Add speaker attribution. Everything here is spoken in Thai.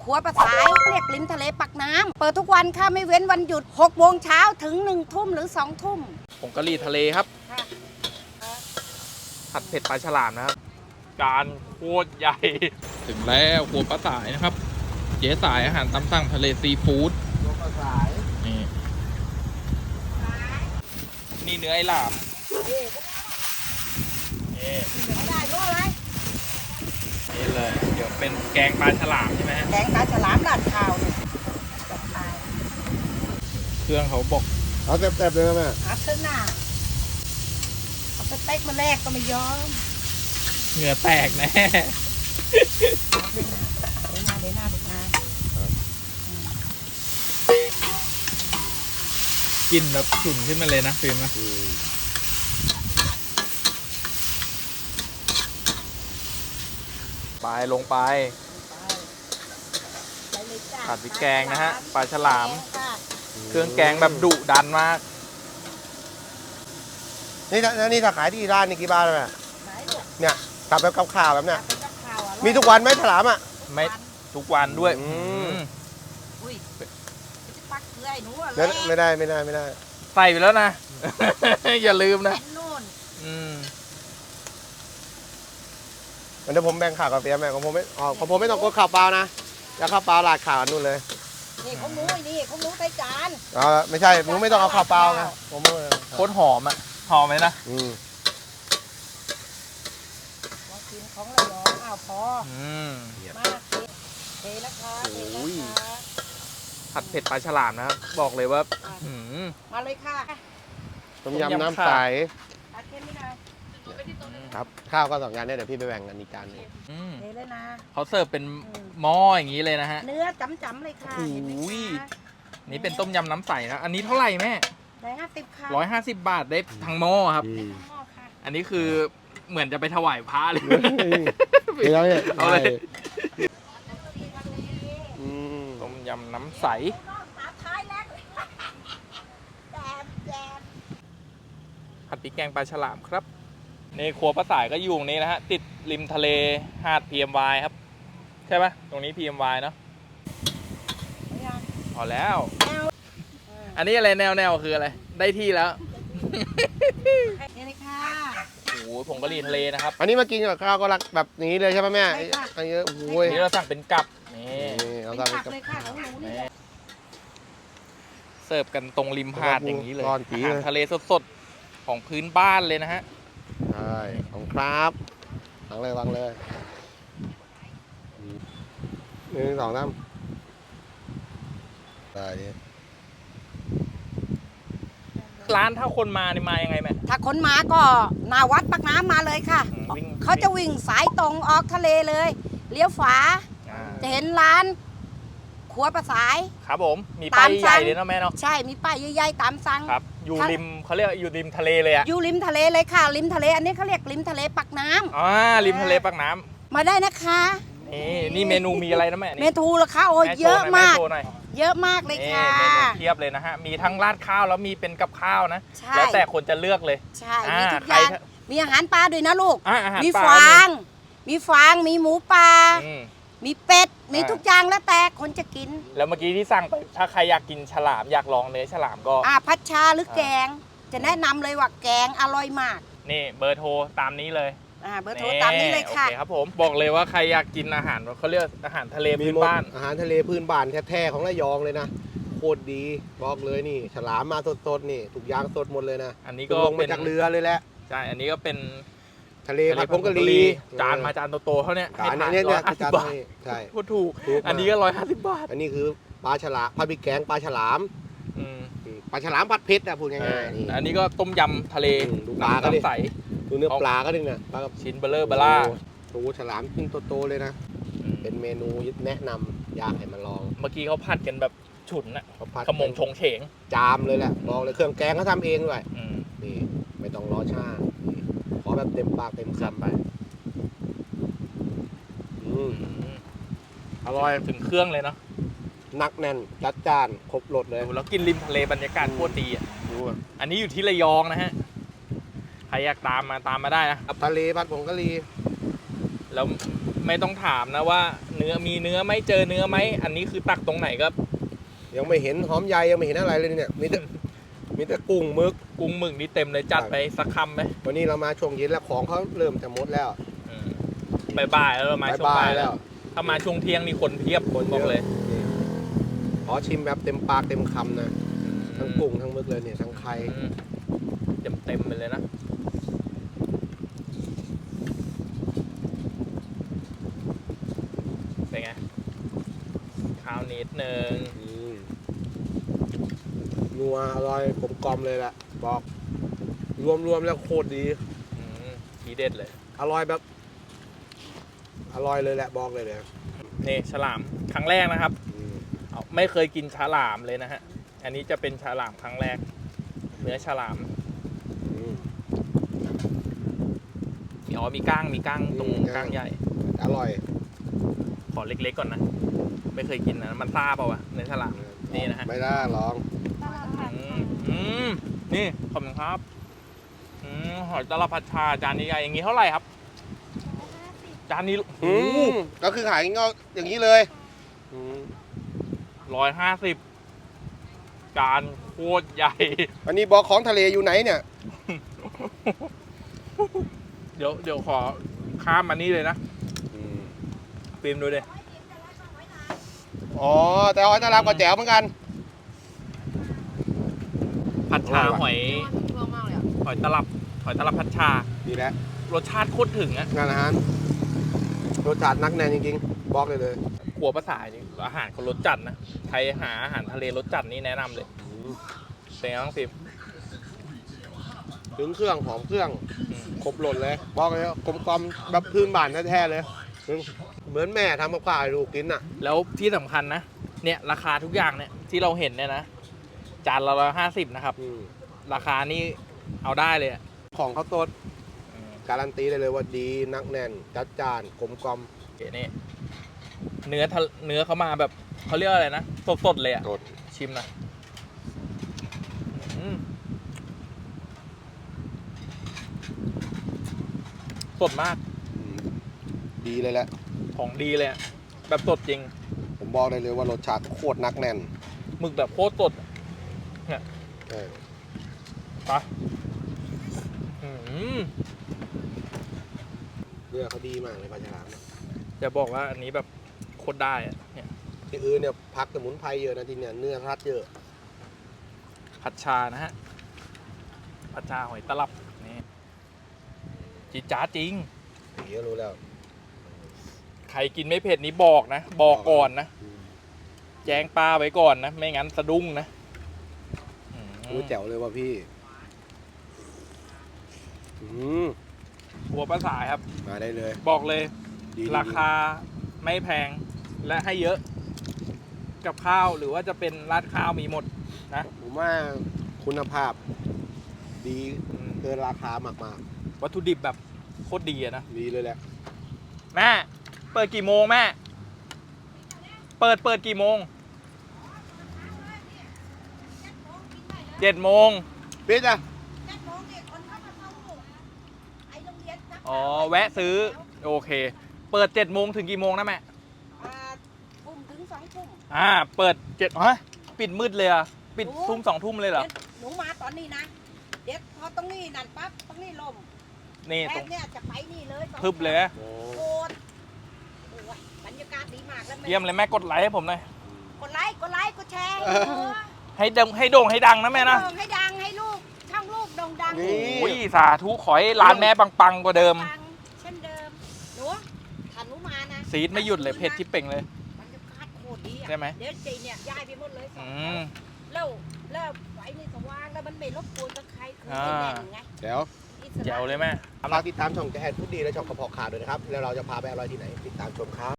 Speaker 1: ขัวปลาสายเรียกริมทะเลปักน้ำเปิดทุกวันค่ะไม่เว้นวันหยุด6 โมงเช้าถึง1 ทุ่มหรือ2 ทุ่ม
Speaker 2: ผงกะหรี่ทะเลครับผัดเผ็ดปลาฉลามนะครับจานโคตรใหญ่ถึงแล้วครัวปลาสายนะครับเจ๊สายอาหารตามสั่งทะเลซีฟู้ดปลาสายนี่เนื้อไอ้หลามนี่เลยเดี๋ยวเป็นแกงปลาฉลามใช่ไหมฮะ
Speaker 1: แกงปลาฉลามราดข้าวเนี่ย
Speaker 2: เครื่องเขาบอก
Speaker 3: เอาแซ่บๆเลยนะแม่
Speaker 1: เอาขึ้นหน้าเอาสเต็กมาแลกก็ไม่ยอม
Speaker 2: เหงื่อแตกแน่
Speaker 1: เดี๋ยวหน้า
Speaker 2: กินแบบฉุนขึ้นมาเลยนะฟิล์มนะไปลงไปผัดพริกแกงนะฮะปลาฉลามเครื่องแกงแบบดุดันมาก
Speaker 3: นี่ถ้าขายที่ร้านนี่กี่บาทเลยแม่เนี่ยกลับแบบกับข้าวแบบเนี้ยมีทุกวันไหมฉลามอ่ะ
Speaker 2: ไม่ทุกวันด้วย
Speaker 1: อุ้ยปักเกลือหนู
Speaker 3: ไม่ได้
Speaker 2: ใส่ไปแล้วนะ อย่าลืมนะ
Speaker 3: เดี๋ยวผมแบ่งข่าวกับเปียแม่ของผมไม่ต้องกดข่าวเปล่านะจะข่าวเปล่าราดข่าวนู่นเลย
Speaker 1: นี่ของหนูใส่จาน
Speaker 3: ไม่ใช่หนูไม่ต้องเอาข่าวเปล่าไงผม
Speaker 2: โคตรหอมอ่ะหอมไหมนะ
Speaker 1: กินของระยองพอมากเทนะคะ
Speaker 2: ผัดเผ็ดปลาฉลามนะครับบอกเลยว่า
Speaker 1: มาเลยค่ะ
Speaker 3: ต้มยำน้ำใสครับข้าวก็2 จานเนี่ยเดี๋ยวพี่ไปแบ่งกันอีกจานนึง
Speaker 1: เทเลยนะ
Speaker 2: เขาเสิร์ฟเป็นหม้ออย่างนี้เลยนะฮะ
Speaker 1: เนื้อจ๋ำๆเลยค่ะ
Speaker 2: นี่เป็นต้มยำน้ำใสนะอันนี้เท่าไหร่แม่
Speaker 1: 150 ค่ะ
Speaker 2: 150 บาทได้ทั้งหม้อครับอันนี้คือเหมือนจะไปถวายพระเลยเอาเลยต้มยำน้ำใสผัดพริกแกงปลาฉลามครับในครัวปลาสายก็อยู่ตรงนี้นะฮะติดริมทะเลหาด PMY ครับใช่ไหมตรงนี้ PMY เนาะพอแล้วอันนี้อะไรแนวคืออะไรได้ที่แล้ว
Speaker 1: นี่เลยค่ะ
Speaker 2: โอ้โหผงกะหรี่ทะเลนะครับ
Speaker 3: อันนี้มากินกับข้าวก็รักแบบนี้เลยใช่ไหมแม่อันนี้โอ้ย
Speaker 2: นี่เราสั่งเป็นกับนี่
Speaker 3: เราสั่งเป็นกับ
Speaker 2: เสิร์ฟกันตรงริมหาดอย่างนี้เลยอาหารทะเลสดๆของพื้นบ้านเลยนะฮะ
Speaker 3: ใช่ของครับวางเลย1 2 3ได้
Speaker 2: ร้านถ้าคนมาเนี่ยมายังไงแม่
Speaker 1: ถ้าคนมาก็หน้าวัดปากน้ำมาเลยค่ะเขาจะวิ่งสายตรงออกทะเลเลยเลี้ยวขวาจะเห็นร้านครัวปลาสาย
Speaker 2: ครับผมมีป้ายใหญ่เลยเนาะแม่เนาะ
Speaker 1: ใช่มีป้ายใหญ่ๆตามสั่ง
Speaker 2: ครับอยู่ริมเขาเรียกอยู่ริมทะเลเลยอะ
Speaker 1: อยู่ริมทะเลเลยค่ะริมทะเลอันนี้เขาเรียกริมทะเลปักน้
Speaker 2: ำริมทะเลปักน้
Speaker 1: ำมาได้นะคะ
Speaker 2: นี่เมนูมีอะไรนะแม่
Speaker 1: เมนูเหรอคะโอ้เยอะมากเยอะมากเลยค่ะ
Speaker 2: เมนูเทียบเลยนะฮะมีทั้งราดข้าวแล้วมีเป็นกับข้าวนะแล้วแต่คนจะเลือกเลย
Speaker 1: ใช่มีทุกอย่างมีอาหารปลาด้วยนะลูกมีฟางมีหมูปลามีเป็ดมีทุกอย่างแล้วแต่คนจะกิน
Speaker 2: แล้วเมื่อกี้ที่สั่งไปถ้าใครอยากกินฉลามอยากลองเนื้อฉลามก็
Speaker 1: ผัดชาหรือแกงจะแนะนำเลยว่าแกงอร่อยมาก
Speaker 2: นี่เบอร์โทรตามนี้เลย
Speaker 1: เบอร์โทรตามนี้เลยค่ะ
Speaker 2: โอเคครับผมบอกเลยว่าใครอยากกินอาหารเขาเรียกอาหารทะเลพื้นบ้าน
Speaker 3: อาหารทะเลพื้นบ้านแท้ๆของระยองเลยนะโคตรดีบอกเลยนี่ฉลามมาสดๆนี่ทุกอย่างสดหมดเลยนะ
Speaker 2: อันนี้ก็
Speaker 3: ลงมาจากเรือเลยแหละ
Speaker 2: ใช่อันนี้ก็เป็น
Speaker 3: ทะเลผัดผงกะหรี่
Speaker 2: จานมาจานโตๆเขาเนี่ย
Speaker 3: จานนี้150 บาทใช่
Speaker 2: พูดถูกอันนี้ก็150 บาท
Speaker 3: อันนี้คือปลาฉลามผัดพริกแกงปลาฉลามปลาฉลามผัดเผ็ดพูดง่าย
Speaker 2: ๆอันนี้ก็ต้มยำทะเล
Speaker 3: ปลาก็
Speaker 2: ใส
Speaker 3: ดูเนื้อปลาก็ได้เนี่ยปลา
Speaker 2: ชิ้นเบลอเบล่า
Speaker 3: ดูฉลามชิ้นโตๆเลยนะเป็นเมนูแนะนำอยากให้มาลอง
Speaker 2: เมื่อกี้เขาผัดกันแบบฉุนนะขมงชงเฉง
Speaker 3: จามเลยแหละบอกเลยเครื่องแกงเขาทำเองด้วยนี่ไม่ต้องรอช้าขอแบบเต็มปากเต็มคำไป
Speaker 2: อร่อยถึงเครื่องเลยเนาะ
Speaker 3: นักแน่นจัดจานครบรสเลย
Speaker 2: แล้วกินริมทะเลบรรยากาศโคตรดีอ่ะอันนี้อยู่ที่ระยองนะฮะใครอยากตามมาได้นะ
Speaker 3: ทะเลผัดผงกะหรี่
Speaker 2: แล้วแไม่ต้องถามนะว่าเนื้อมีเนื้อไหมเจอเนื้อไหมอันนี้คือตักตรงไหนก็
Speaker 3: ยังไม่เห็นหอมใหญ่ยังไม่เห็นอะไรเลยเนี่ยมีแต่กุ้งหมึก
Speaker 2: กุ้งหมึกนี่เต็มเลยจัดไปสักคำไหม
Speaker 3: วันนี้เรามาช่วงเย็นแล้วของเขาเริ่มจะหมดแล้ว
Speaker 2: บ่ายๆแล้วเรามาช่วงบ่าย
Speaker 3: แล้
Speaker 2: แล้ว วถ้ามาช่วงเที่ยงนี่คนเพียบคนบอกเลย
Speaker 3: นี่ขอชิมแบบเต็มปากเต็มคำนะทั้งกุ้งทั้งหมึกเลยเนี่ยทั้งไข่
Speaker 2: เต็มไปเลยนะเป็นไงข้าวนิดนึง
Speaker 3: นัวอร่อยกลมกล่อมเลยแหละบอกรวมแล้วโคตรดี
Speaker 2: ทีเด็ดเลย
Speaker 3: อร่อยแบบอร่อยเลยแหละบอกเลยเนี่ย
Speaker 2: นี่ฉลามครั้งแรกนะครับไม่เคยกินฉลามเลยนะฮะอันนี้จะเป็นฉลามครั้งแรกเนื้อฉลามมีก้างตรงก้างใหญ่
Speaker 3: อร่อย
Speaker 2: ขอเล็กๆก่อนนะไม่เคยกินนะมันซ่าเปล่าวะเนื้อฉลามนี่นะฮะ
Speaker 3: ไม่ได้ลอง
Speaker 2: นี่ขอบคุณครับหอยตลับผัดชาจานใหญ่ๆอย่างนี้เท่าไหร่ครับจานนี้
Speaker 3: ก็คือขายอย่างนี้เลย
Speaker 2: 150จานโคตรใหญ่
Speaker 3: อันนี้บอกของทะเลอยู่ไหนเนี่ย
Speaker 2: เดี๋ยวขอข้ามมานี่เลยนะฟิล์มดูดิ
Speaker 3: อ๋อแต่หอยตลับก็แจ๋วเหมือนกัน
Speaker 2: ผัดชาหอยตลับผัดชา
Speaker 3: ดีแล้ว
Speaker 2: รสชาติโคตรถึงอะ
Speaker 3: งานอาหารรสชาตินักแน่นจริงๆบอกเลย
Speaker 2: ขัวภาษาจริงอาหารเขารสจัดนะใครหาอาหารทะเลรสจัดนี่แนะนำเลยเป็นไงบ้างฟิล์ม
Speaker 3: ถึงเครื่องหอมเครื่องครบหล่นเลยบอกเลยกลมกลอมแบบพื้นบ้านแท้ๆเลยเหมือนแม่ทำกับข้าวให้ลูกกินอ่ะ
Speaker 2: แล้วที่สำคัญนะเนี่ยราคาทุกอย่างเนี่ยที่เราเห็นเนี่ยนะจานละ150นะครับราคานี่เอาได้เลยอะ
Speaker 3: ของเขาสดการันตีได้เลยว่าดีนักแน่นจัดจานกลมกลอม
Speaker 2: โอเคนี่เนื้อเขามาแบบเขาเรียกอะไรนะสดๆเลยอะ
Speaker 3: สด
Speaker 2: ชิมนะสดมาก
Speaker 3: ดีเลยแหละ
Speaker 2: ของดีเลยอะแบบสดจริง
Speaker 3: ผมบอกได้เลยว่ารสชาติโคตรนักแน่น
Speaker 2: หมึกแบบโคตรสดเนี่ย
Speaker 3: เออ
Speaker 2: ไป
Speaker 3: เนื้อเขาดีมากเลยปลาฉลาม
Speaker 2: จะบอกว่าอันนี้แบบโคตรได้อะเนี่ย
Speaker 3: ที่อื่นเนี่ยพักสมุนไพรเยอะนะที่เนี่ยเนื้อรัดเยอะ
Speaker 2: ผัดชานะฮะผัดชาหอยตลับนี่จีจ้าจริง
Speaker 3: เดี๋ยวรู้แล้ว
Speaker 2: ใครกินไม่เผ็ดนี้บอกนะบอกก่อนนะแจ้งป้าไว้ก่อนนะไม่งั้นสะดุ้งนะ
Speaker 3: รู้แจ๋วเลยว่าพี่
Speaker 2: หัวปลาสายครับ
Speaker 3: มาได้เลย
Speaker 2: บอกเลย
Speaker 3: ดี
Speaker 2: ราคาไม่แพงและให้เยอะกับข้าวหรือว่าจะเป็นราดข้าวมีหมดนะ
Speaker 3: ผมว่าคุณภาพ ดีเกินราคามาก
Speaker 2: วัตถุดิบแบบโคตรดีอะนะ
Speaker 3: ๆดีเลยแหละ
Speaker 2: แม่เปิดกี่โมงแม่เปิดกี่โมง7 โมง
Speaker 3: ปิดอ่ะ
Speaker 2: อ๋อแวะซื้อโอเคเปิด7 โมงถึงกี่โมงนะแม่
Speaker 1: ทุ่มถึง2 ทุ่ม
Speaker 2: เปิด7ฮะปิดมืดเลยอะปิดทุ่ม2 ทุ่มเลยเหรอ
Speaker 1: หนูมาตอนนี้นะเดี๋ยวพอตรงนี้นั่นปั๊บตรงนี้ลม
Speaker 2: นี่
Speaker 1: แอ
Speaker 2: ตร
Speaker 1: บ
Speaker 2: ง
Speaker 1: เนี่ยจะไปนี่เลย
Speaker 2: พึบเลยนะ
Speaker 1: โคตรโอ้ยบรรยากาศดีมากแล้ว
Speaker 2: เยี่ยมเลยแม่กดไลค์ให้ผมหน่อย
Speaker 1: กดไลค์กดแชร์
Speaker 2: ให้โด่งให้ดังนะแม่นะ
Speaker 1: ให้ดังให้ลูกช่างลูกโด่งดัง
Speaker 2: โอ้ยสาธุขอให้ร้านแม่ปังๆกว่าเดิม
Speaker 1: ปังเช่นเดิมหนูถ้าหนูมานะ
Speaker 2: ซีดไม่หยุดเลยเผ็ดที่เป่งเลย
Speaker 1: บรรยากาศโคตรดีอะ
Speaker 2: ใช่ไหม
Speaker 1: เดี๋ยวจีเนี่ยย้ายไปหมดเลยแล้วไฟนี่สว่างแล้วมันไม่รบกวนกับใครคือไม่แน่นไง
Speaker 3: เดี๋ยว
Speaker 2: แจ๋วเลยแม่
Speaker 3: ฝากติดตามช่องแกแอนพูดดีและช่องกระเพาะขาด้วยนะครับ แล้วเราจะพาไปอร่อยที่ไหน ติดตามชมครับ